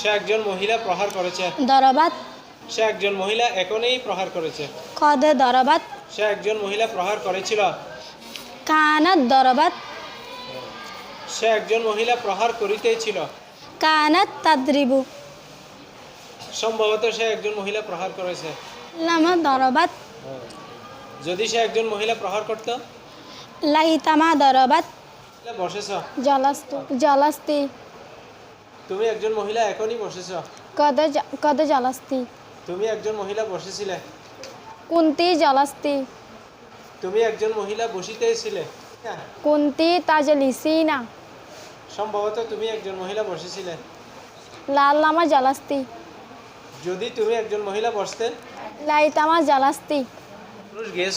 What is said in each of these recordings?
সে একজন মহিলা প্রহার করেছে। ضربت সে একজন মহিলা এখনই প্রহার করেছে। قد ضربت সে একজন মহিলা প্রহার করেছিল। كانت ضربت সে একজন মহিলা প্রহার করিতেছিল। كانت تضرب সম্ভবত সে একজন মহিলা প্রহার করেছে। لما ضربت যদি সে একজন মহিলা প্রহার করত। ليتما ضربت বসেছ। جلست তুমি একজন মহিলা এখনই বসেছ। قد جلست তুমি একজন মহিলা বসেছিলে। كنت جلست তুমি একজন মহিলা বসিতেছিলে। كنت تجلسين সম্ভবত তুমি একজন মহিলা বসেছিলে। لما جلست যদি তুমি একজন মহিলা বসতে। ليتما جلست পুরুষ গিয়েছ।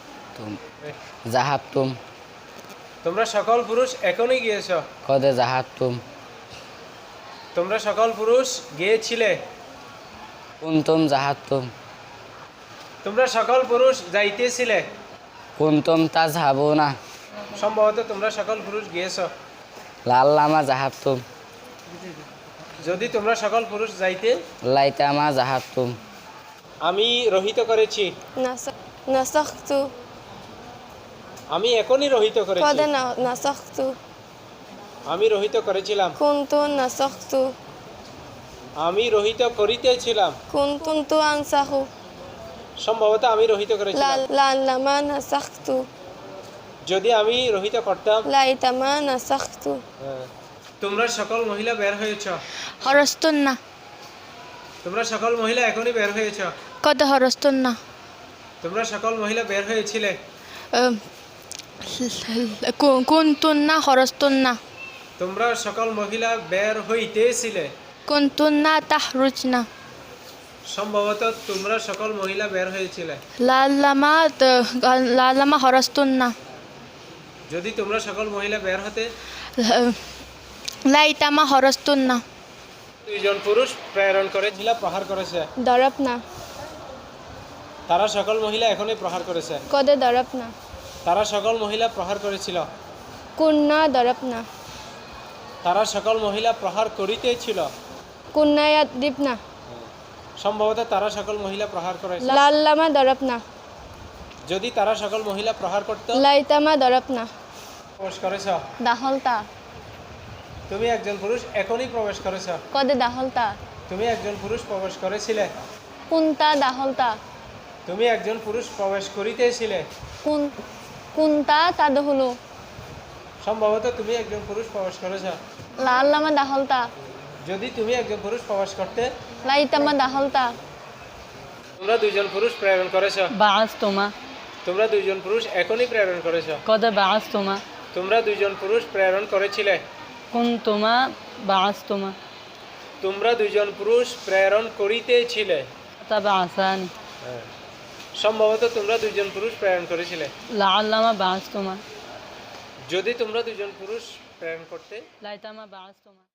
ذهبتم তোমরা সকল পুরুষ এখনই গিয়েছ। قد ذهبتم তোমরা সকল পুরুষ গিয়েছিলে। كنتم ذهبتم তোমরা সকল পুরুষ যাইতেছিলে। كنتم تذهبون সম্ভবত তোমরা সকল পুরুষ গিয়েছ। لعلما ذهبتم যদি তোমরা সকল পুরুষ যাইতে। ليتما ذهبتم আমি রহিত করেছি। نسخت আমি এখনই রহিত করেছি। قد نسخت আমি রহিত করেছিলাম। كنت نسخت আমি রহিত করিতেছিলাম। كنت أنسخ সম্ভবত আমি রহিত করেছিলাম। لما نسخت যদি আমি রহিত করতাম। ليتما نسخت তোমরা সকল মহিলা বের হয়েছ। خرجتن তোমরা সকল মহিলা এখনই বের হয়েছ। قد خرجتن তোমরা সকল মহিলা বের হয়েছিলে। كنتن خرجتن তোমরা সকল মহিলা বের হইতেছিলে। كنتن تخرجن সম্ভবত তোমরা সকল মহিলা বের হয়েছিলে। لما خرجتن যদি তোমরা সকল মহিলা বের হতে। ليتما خرجتن দুইজন পুরুষ প্রেরণ করে জিলা প্রহার করেছে। ضربنا তারা সকল মহিলা এখনই প্রহার করেছে। قد ضربنا তারা সকল মহিলা প্রহার করেছিল। كنا ضربنا তারা সকল মহিলা প্রহার করিতেছিল। كنا يضربنا সম্ভবত তারা সকল মহিলা প্রহার করেছে। لما ضربنا যদি তারা সকল মহিলা প্রহার করত। ليتما ضربنا প্রবেশ করেছ। دخلت তুমি একজন পুরুষ এখনই প্রবেশ করেছ। قد دخلت তুমি একজন পুরুষ প্রবেশ করেছিলে। كنت دخلت তুমি একজন পুরুষ প্রবেশ করিতেছিলে। كنت تدخل সম্ভবত তুমি একজন পুরুষ প্রবেশ করেছ। لما دخلت যদি তুমি একজন পুরুষ প্রবেশ করতে। ليتما دخلت তোমরা দুইজন পুরুষ প্রেরণ করেছ। بعثتما তোমরা দুইজন পুরুষ এখনই প্রেরণ করেছ। قد بعثتما তোমরা দুইজন পুরুষ প্রেরণ করেছিলে। كنتما بعثتما তোমরা দুইজন পুরুষ প্রেরণ করিতেছিলে। تبعثان সম্ভবত তোমরা দুইজন পুরুষ প্রেরণ করেছিলে। لعلما بعثتما যদি তোমরা দুইজন পুরুষ প্রেরণ করতে। ليتما بعثتما